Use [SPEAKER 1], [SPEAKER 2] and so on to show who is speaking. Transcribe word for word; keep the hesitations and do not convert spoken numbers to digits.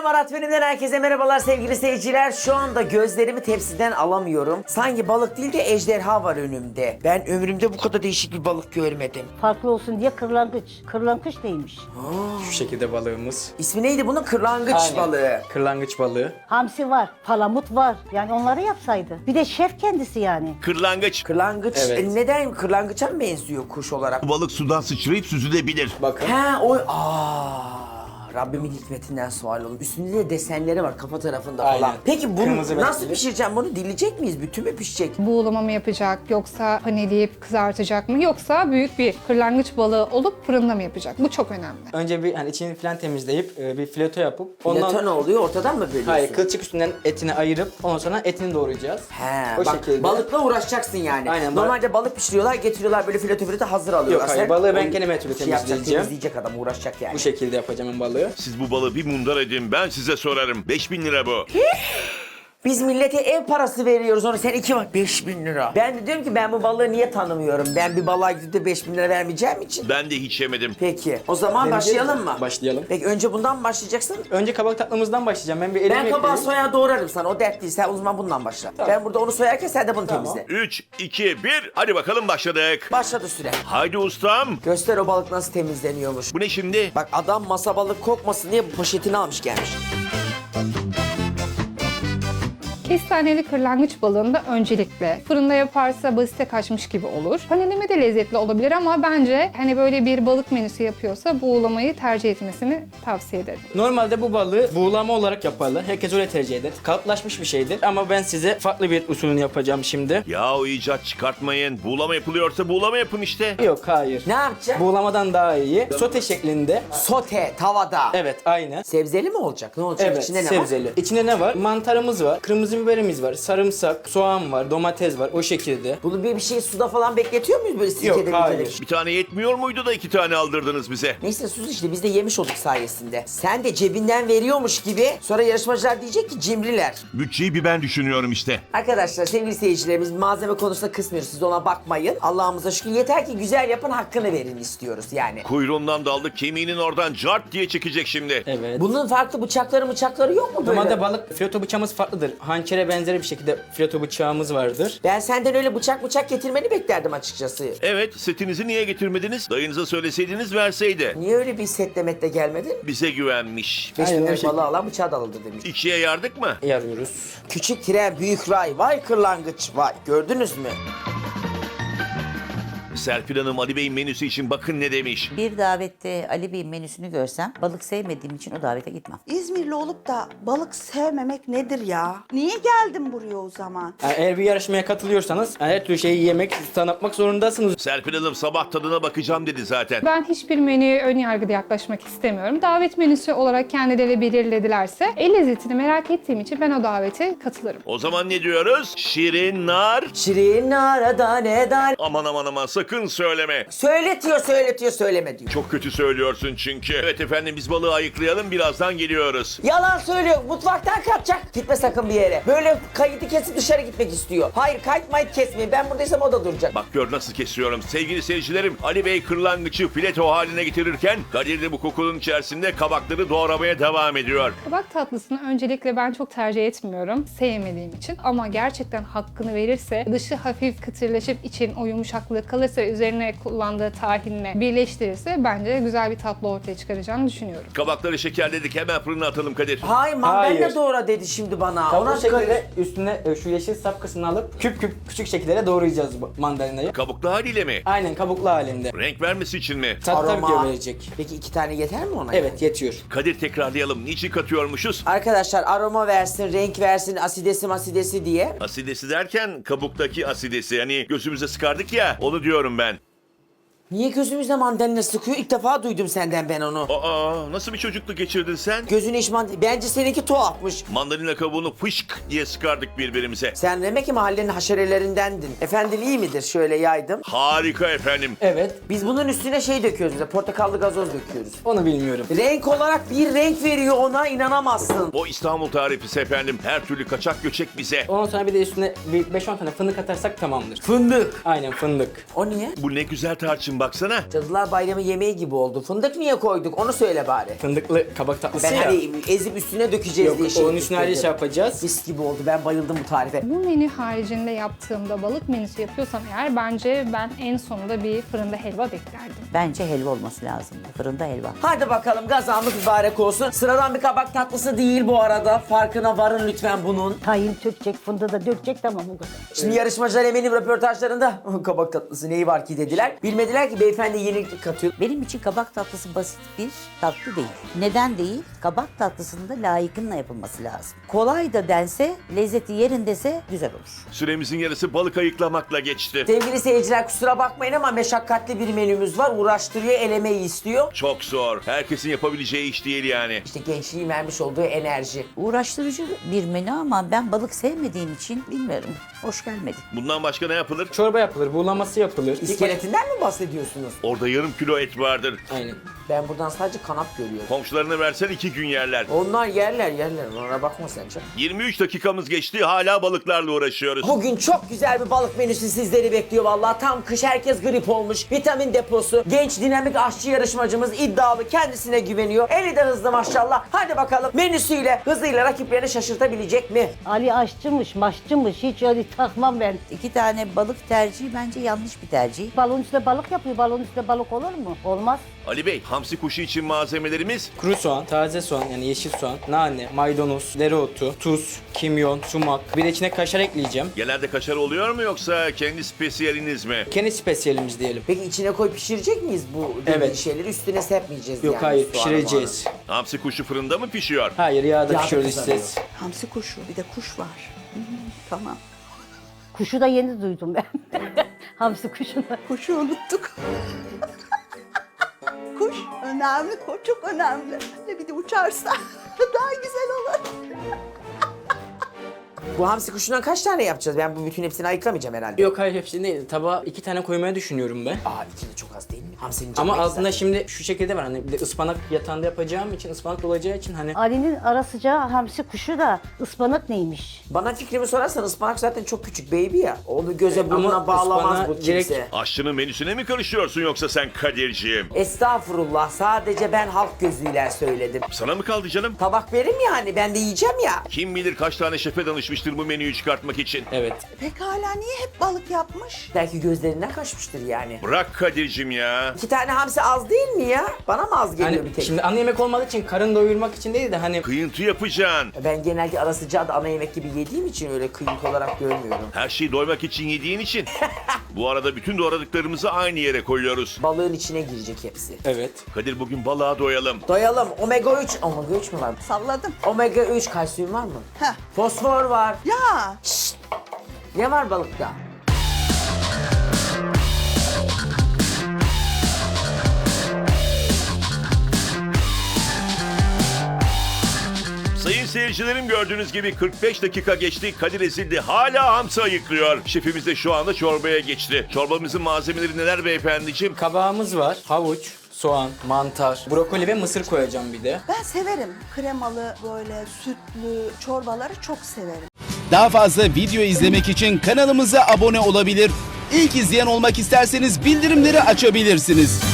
[SPEAKER 1] Marat Fenim'den herkese merhabalar sevgili seyirciler. Şu anda gözlerimi tepsiden alamıyorum. Sanki balık değil de ejderha var önümde. Ben ömrümde bu kadar değişik bir balık görmedim.
[SPEAKER 2] Farklı olsun diye kırlangıç. Kırlangıç neymiş?
[SPEAKER 3] Şu şekilde balığımız.
[SPEAKER 1] İsmi neydi bunun? Kırlangıç
[SPEAKER 3] Aynen.
[SPEAKER 1] balığı.
[SPEAKER 3] Kırlangıç balığı.
[SPEAKER 2] Hamsi var, palamut var. Yani onları yapsaydı. Bir de şef kendisi yani.
[SPEAKER 4] Kırlangıç.
[SPEAKER 1] Kırlangıç.
[SPEAKER 3] Evet.
[SPEAKER 1] E, neden? Kırlangıça mı benziyor kuş olarak?
[SPEAKER 4] Bu balık sudan sıçrayıp süzülebilir.
[SPEAKER 3] Bakın.
[SPEAKER 1] He o... Aa, Rabbimin hikmetinden sual olun. Üstünde de desenleri var kafa tarafında falan.
[SPEAKER 3] Aynen.
[SPEAKER 1] Peki bunu
[SPEAKER 3] Kırmızı
[SPEAKER 1] nasıl
[SPEAKER 3] renkli.
[SPEAKER 1] pişireceğim? Bunu dileyecek miyiz? Bütün mü pişecek?
[SPEAKER 5] Buğulama mı yapacak yoksa paneleyip kızartacak mı yoksa büyük bir kırlangıç balığı olup fırında mı yapacak? Bu çok önemli.
[SPEAKER 3] Önce bir hani içini falan temizleyip e, bir fileto yapıp ondan
[SPEAKER 1] Fileto ne oluyor? Ortadan mı bölüyorsun?
[SPEAKER 3] hayır kılçık üstünden etini ayırıp ondan sonra etini doğrayacağız.
[SPEAKER 1] He,
[SPEAKER 3] O
[SPEAKER 1] bak
[SPEAKER 3] şekilde.
[SPEAKER 1] balıkla uğraşacaksın yani.
[SPEAKER 3] Aynen,
[SPEAKER 1] Normalde balık pişiriyorlar, getiriyorlar böyle fileto fileto hazır alıyorlar.
[SPEAKER 3] Yok, hayır,
[SPEAKER 1] Sen
[SPEAKER 3] balığı ben
[SPEAKER 1] onu
[SPEAKER 3] kendime türlü
[SPEAKER 1] şey yapacak,
[SPEAKER 3] temizleyeceğim.
[SPEAKER 1] temizleyecek adam uğraşacak yani.
[SPEAKER 3] Bu şekilde yapacağım ben balığı.
[SPEAKER 4] Siz bu balığı bir mundar edin, ben size sorarım. beş bin lira bu.
[SPEAKER 1] Biz millete ev parası veriyoruz onu sen iki bak beş bin lira. Ben de diyorum ki ben bu balığı niye tanımıyorum? Ben bir balığa gidip de beş bin lira vermeyeceğim için.
[SPEAKER 4] Ben de hiç yemedim.
[SPEAKER 1] Peki o zaman
[SPEAKER 3] Deneyeceğiz
[SPEAKER 1] başlayalım
[SPEAKER 3] mi?
[SPEAKER 1] mı?
[SPEAKER 3] Başlayalım.
[SPEAKER 1] Peki önce bundan mı başlayacaksın?
[SPEAKER 3] Önce kabak tatlımızdan başlayacağım. Ben bir elimi
[SPEAKER 1] Ben kabağı
[SPEAKER 3] ekleyeyim.
[SPEAKER 1] soyağı doğrarım sana o dert değil. Sen o zaman bundan başla. Ben burada onu soyarken sen de bunu
[SPEAKER 3] Tamam.
[SPEAKER 1] temizle.
[SPEAKER 4] üç, iki, bir. Hadi bakalım başladık.
[SPEAKER 1] Başladı süre.
[SPEAKER 4] Haydi ustam.
[SPEAKER 1] Göster o balık nasıl temizleniyormuş.
[SPEAKER 4] Bu ne şimdi?
[SPEAKER 1] Bak adam masa balık kokmasın diye bu poşetini almış gelmiş.
[SPEAKER 5] Kestaneli kırlangıç balığında öncelikle fırında yaparsa basite kaçmış gibi olur. Paneleme de lezzetli olabilir ama bence hani böyle bir balık menüsü yapıyorsa buğulamayı tercih etmesini tavsiye ederim.
[SPEAKER 3] Normalde bu balığı buğulama olarak yaparlar. Herkes öyle tercih eder. Kalıplaşmış bir şeydir. Ama ben size farklı bir usulünü yapacağım şimdi.
[SPEAKER 4] Ya o icat çıkartmayın. Buğulama yapılıyorsa buğulama yapın işte.
[SPEAKER 3] Yok, hayır.
[SPEAKER 1] Ne yapacaksın?
[SPEAKER 3] Buğulamadan daha iyi. Sote şeklinde.
[SPEAKER 1] Sote tavada.
[SPEAKER 3] Evet, aynı.
[SPEAKER 1] Sebzeli mi olacak? Ne olacak?
[SPEAKER 3] Evet,
[SPEAKER 1] İçinde ne
[SPEAKER 3] sebzeli.
[SPEAKER 1] var?
[SPEAKER 3] İçinde ne var? Mantarımız var, kırmızı biberimiz var, sarımsak, soğan var, domates var, o şekilde.
[SPEAKER 1] Bunu bir, bir şey suda falan bekletiyor muyuz böyle sirkede?
[SPEAKER 3] Yok, hayır.
[SPEAKER 1] müzede?
[SPEAKER 4] Bir tane yetmiyor muydu da iki tane aldırdınız bize?
[SPEAKER 1] Neyse sus işte biz de yemiş olduk sayesinde. Sen de cebinden veriyormuş gibi sonra yarışmacılar diyecek ki cimriler.
[SPEAKER 4] Bütçeyi bir ben düşünüyorum işte.
[SPEAKER 1] Arkadaşlar sevgili seyircilerimiz malzeme konusunda kısmıyoruz. Siz ona bakmayın. Allah'ımıza şükür yeter ki güzel yapın hakkını verin istiyoruz yani.
[SPEAKER 4] Kuyruğundan daldık, kemiğinin oradan cart diye çekecek şimdi.
[SPEAKER 3] Evet.
[SPEAKER 1] Bunun farklı bıçakları bıçakları yok mu böyle?
[SPEAKER 3] Normalde balık fileto bıçağımız farklıdır. Hançere benzeri bir şekilde fileto bıçağımız vardır.
[SPEAKER 1] Ben senden öyle bıçak bıçak getirmeni beklerdim açıkçası.
[SPEAKER 4] Evet, setinizi niye getirmediniz? Dayınıza söyleseydiniz verseydi.
[SPEAKER 1] Niye öyle bir setle gelmedin?
[SPEAKER 4] Bize güvenmiş.
[SPEAKER 1] Beş bin
[SPEAKER 3] Aynen, o
[SPEAKER 1] lira
[SPEAKER 3] şekilde.
[SPEAKER 1] balığı alan bıçağı da alırdı demiş.
[SPEAKER 4] İkiye yardık mı?
[SPEAKER 3] Yarıyoruz.
[SPEAKER 1] Küçük tren büyük ray vay kırlangıç vay gördünüz mü?
[SPEAKER 4] Serpil Hanım Ali Bey'in menüsü için bakın ne demiş.
[SPEAKER 6] Bir davette Ali Bey'in menüsünü görsem balık sevmediğim için o davete gitmem.
[SPEAKER 7] İzmirli olup da balık sevmemek nedir ya? Niye geldin buraya o zaman?
[SPEAKER 3] Yani eğer bir yarışmaya katılıyorsanız yani her türlü şeyi yemek, tanıtmak zorundasınız.
[SPEAKER 4] Serpil Hanım sabah tadına bakacağım dedi zaten.
[SPEAKER 5] Ben hiçbir menüye ön yargıda yaklaşmak istemiyorum. Davet menüsü olarak kendileri belirledilerse el lezzetini merak ettiğim için ben o davete katılırım.
[SPEAKER 4] O zaman ne diyoruz? Şirin nar.
[SPEAKER 1] Şirin arada ne dar?
[SPEAKER 4] Aman aman aman sakın söyleme.
[SPEAKER 1] Söyletiyor söyletiyor söyleme diyor.
[SPEAKER 4] Çok kötü söylüyorsun çünkü. Evet efendim biz balığı ayıklayalım birazdan geliyoruz.
[SPEAKER 1] Yalan söylüyor. Mutfaktan kaçacak. Gitme sakın bir yere. Böyle kaydı kesip dışarı gitmek istiyor. Hayır kayıt mayıt kesmeyin. Ben buradaysam o da duracak.
[SPEAKER 4] Bak gör nasıl kesiyorum. Sevgili seyircilerim Ali Bey kırlangıcı fileto haline getirirken Kadir de bu kokunun içerisinde kabakları doğramaya devam ediyor.
[SPEAKER 5] Kabak tatlısını öncelikle ben çok tercih etmiyorum sevmediğim için ama gerçekten hakkını verirse dışı hafif kıtırlaşıp için o yumuşaklığı kalırsa ve üzerine kullandığı tahinle birleştirirse bence güzel bir tatlı ortaya çıkaracağını düşünüyorum.
[SPEAKER 4] Kabakları şekerledik hemen fırına atalım Kadir.
[SPEAKER 1] Hayır mandalina
[SPEAKER 3] Hayır.
[SPEAKER 1] doğra dedi şimdi bana.
[SPEAKER 3] Tam
[SPEAKER 1] Ona
[SPEAKER 3] bu şekilde üstüne e, şu yeşil sap kısmını alıp küp küp küçük şekillere doğrayacağız bu mandalinayı.
[SPEAKER 4] Kabuklu haliyle mi?
[SPEAKER 3] Aynen kabuklu halinde.
[SPEAKER 4] Renk vermesi için mi?
[SPEAKER 3] Tat tabii ki
[SPEAKER 1] aroma.
[SPEAKER 3] verecek.
[SPEAKER 1] Peki iki tane yeter mi ona?
[SPEAKER 3] Evet, yetiyor.
[SPEAKER 4] Kadir tekrarlayalım. Niçin katıyormuşuz?
[SPEAKER 1] Arkadaşlar aroma versin, renk versin, asidesi masidesi diye.
[SPEAKER 4] Asidesi derken kabuktaki asidesi. Hani gözümüze sıkardık ya onu diyorum ben.
[SPEAKER 1] Niye gözümüzde mandalina sıkıyor? İlk defa duydum senden ben onu.
[SPEAKER 4] Aa nasıl bir çocukluk geçirdin sen?
[SPEAKER 1] Gözüne iş mandalina... Bence seninki tuhafmış.
[SPEAKER 4] Mandalina kabuğunu fışk diye sıkardık birbirimize.
[SPEAKER 1] Sen demek ki mahallenin haşerelerindendin. Efendim iyi midir? Şöyle yaydım.
[SPEAKER 4] Harika efendim.
[SPEAKER 3] Evet,
[SPEAKER 1] Biz bunun üstüne şey döküyoruz bize. Portakallı gazoz döküyoruz.
[SPEAKER 3] onu bilmiyorum.
[SPEAKER 1] Renk olarak bir renk veriyor ona inanamazsın.
[SPEAKER 4] O İstanbul tarifesi efendim. Her türlü kaçak göçek bize.
[SPEAKER 3] Ondan sonra bir de üstüne bir beş on tane fındık atarsak tamamdır.
[SPEAKER 1] Fındık.
[SPEAKER 3] Aynen, fındık.
[SPEAKER 1] O niye?
[SPEAKER 4] Bu ne güzel tarçın baksana.
[SPEAKER 1] Cadılar Bayramı yemeği gibi oldu. Fındık niye koyduk? Onu söyle bari.
[SPEAKER 3] Fındıklı kabak tatlısı
[SPEAKER 1] Ben
[SPEAKER 3] ya.
[SPEAKER 1] hani ezip üstüne dökeceğiz
[SPEAKER 3] Yok,
[SPEAKER 1] diye şey
[SPEAKER 3] onun üstüne ayrı şey yapacağız.
[SPEAKER 1] Mis gibi oldu. Ben bayıldım bu tarife.
[SPEAKER 5] Bu menü haricinde yaptığımda balık menüsü yapıyorsam eğer bence ben en sonunda bir fırında helva beklerdim.
[SPEAKER 6] Bence helva olması lazım. Fırında helva.
[SPEAKER 1] Hadi bakalım gazamız mübarek olsun. Sıradan bir kabak tatlısı değil bu arada. Farkına varın lütfen bunun.
[SPEAKER 2] Tayin tökecek, fındığı da dökecek, tamam bu kadar.
[SPEAKER 1] Şimdi yarışmacılar eminim röportajlarında kabak tatlısı neyi var ki dediler. Bilmediler ki beyefendi yenilik katıyor.
[SPEAKER 6] Benim için kabak tatlısı basit bir tatlı değil. Neden değil? Kabak tatlısında layıkınla yapılması lazım. Kolay da dense, lezzeti yerindese güzel olur.
[SPEAKER 4] Süremizin yarısı balık ayıklamakla geçti.
[SPEAKER 1] Sevgili seyirciler kusura bakmayın ama meşakkatli bir menümüz var. Uğraştırıyor, el emeği istiyor.
[SPEAKER 4] Çok zor. Herkesin yapabileceği iş değil yani.
[SPEAKER 1] İşte gençliğin vermiş olduğu enerji.
[SPEAKER 6] Uğraştırıcı bir menü ama ben balık sevmediğim için bilmiyorum. Hoş gelmedi.
[SPEAKER 4] Bundan başka ne yapılır?
[SPEAKER 3] Çorba yapılır, buğulaması yapılır.
[SPEAKER 1] İskeletinden mi bahsediyorsunuz?
[SPEAKER 4] Orada yarım kilo et vardır.
[SPEAKER 3] Aynen.
[SPEAKER 1] Ben buradan sadece kanat görüyorum.
[SPEAKER 4] Komşularına versen iki gün yerler.
[SPEAKER 1] Onlar yerler yerler. Ona bakma sen canım.
[SPEAKER 4] yirmi üç dakikamız geçti. Hala balıklarla uğraşıyoruz.
[SPEAKER 1] Bugün çok güzel bir balık menüsü sizleri bekliyor vallahi. Tam kış, herkes grip olmuş. Vitamin deposu. Genç dinamik aşçı yarışmacımız iddialı, kendisine güveniyor. Eli de hızlı maşallah. Hadi bakalım menüsüyle hızıyla rakiplerini şaşırtabilecek mi?
[SPEAKER 2] Ali aşçımış, maşçımış, hiç öyle takmam ben.
[SPEAKER 6] İki tane balık tercihi bence yanlış bir tercih.
[SPEAKER 2] Balon üstüne balık yapıyor, balon üstüne balık olur mu? Olmaz.
[SPEAKER 4] Ali Bey, hamsi kuşu için malzemelerimiz
[SPEAKER 3] Kuru soğan, taze soğan yani yeşil soğan, nane, maydanoz, dereotu, tuz, kimyon, sumak. Bir de içine kaşar ekleyeceğim.
[SPEAKER 4] genelde kaşar oluyor mu yoksa kendi spesiyeliniz mi?
[SPEAKER 3] Kendi spesiyelimiz diyelim.
[SPEAKER 1] Peki içine koy pişirecek miyiz bu dediğin
[SPEAKER 3] Evet.
[SPEAKER 1] şeyleri? Üstüne serpmeyeceğiz
[SPEAKER 3] Yok
[SPEAKER 1] yani.
[SPEAKER 3] hayır,
[SPEAKER 1] soğanı
[SPEAKER 3] pişireceğiz.
[SPEAKER 4] Hamsi kuşu fırında mı pişiyor?
[SPEAKER 3] Hayır, yağda
[SPEAKER 1] Yağda
[SPEAKER 3] pişiyoruz
[SPEAKER 1] kızarıyor.
[SPEAKER 3] siz.
[SPEAKER 7] Hamsi kuşu, bir de kuş var. Hı hı, tamam.
[SPEAKER 2] Kuşu da yeni duydum ben. Hamsi kuşunu.
[SPEAKER 7] Kuşu unuttuk. Kuş önemli, o çok önemli. Ve bir de uçarsa daha güzel olur.
[SPEAKER 1] Bu hamsi kuşundan kaç tane yapacağız? Ben bu bütün hepsini ayıklamayacağım herhalde.
[SPEAKER 3] Yok hayır hepsini değil. Tabağa iki tane koymayı düşünüyorum ben.
[SPEAKER 1] Aa iki de çok az değil mi? Hamsinin canı
[SPEAKER 3] Ama
[SPEAKER 1] ne
[SPEAKER 3] altında
[SPEAKER 1] güzel.
[SPEAKER 3] şimdi şu şekilde var hani bir de ıspanak yatağında yapacağım için ıspanak olacağı için hani
[SPEAKER 2] Ali'nin ara sıcağı hamsi kuşu da ıspanak neymiş?
[SPEAKER 1] Bana fikrimi sorarsan ıspanak zaten çok küçük baby ya. Onu göze
[SPEAKER 3] Ama
[SPEAKER 1] burnuna bağlamaz
[SPEAKER 3] ıspanağı
[SPEAKER 1] bu kimse.
[SPEAKER 3] direkt-
[SPEAKER 4] Aşçının menüsüne mi karışıyorsun yoksa sen Kadir'ciğim?
[SPEAKER 1] Estağfurullah, sadece ben halk gözüyle söyledim.
[SPEAKER 4] Sana mı kaldı canım?
[SPEAKER 1] Tabak verim yani, ben de yiyeceğim ya.
[SPEAKER 4] Kim bilir kaç tane şefe danışmıştır bu menüyü çıkartmak için.
[SPEAKER 3] evet.
[SPEAKER 7] Pekala niye hep balık yapmış?
[SPEAKER 1] Belki gözlerinden kaçmıştır yani.
[SPEAKER 4] Bırak Kadir'cim ya.
[SPEAKER 1] İki tane hamsi az değil mi ya? Bana mı az geliyor
[SPEAKER 3] Hani
[SPEAKER 1] bir tek?
[SPEAKER 3] şimdi ana yemek olmadığı için karın doyurmak için değil de hani
[SPEAKER 4] Kıyıntı yapacaksın.
[SPEAKER 1] Ben genelde ara sıcağı da ana yemek gibi yediğim için öyle kıyık olarak görmüyorum.
[SPEAKER 4] Her şeyi doymak için yediğin için. Bu arada bütün doğradıklarımızı aynı yere koyuyoruz.
[SPEAKER 1] Balığın içine girecek hepsi.
[SPEAKER 3] evet.
[SPEAKER 4] Kadir bugün balığa doyalım.
[SPEAKER 1] Doyalım. Omega üç. Omega üç mü var?
[SPEAKER 7] Salladım.
[SPEAKER 1] Omega üç kalsiyum var mı?
[SPEAKER 7] Heh.
[SPEAKER 1] Fosfor var.
[SPEAKER 7] Ya
[SPEAKER 1] Ne var balıkta?
[SPEAKER 4] Sayın seyircilerim gördüğünüz gibi kırk beş dakika geçti. Kadir ezildi. Hala hamsi ayıklıyor. Şefimiz de şu anda çorbaya geçti. Çorbamızın malzemeleri neler beyefendiciğim?
[SPEAKER 3] Kabağımız var, havuç, soğan, mantar, brokoli ve mısır koyacağım bir de.
[SPEAKER 7] ben severim. Kremalı böyle sütlü çorbaları çok severim.
[SPEAKER 8] Daha fazla video izlemek için kanalımıza abone olabilir. İlk izleyen olmak isterseniz bildirimleri açabilirsiniz.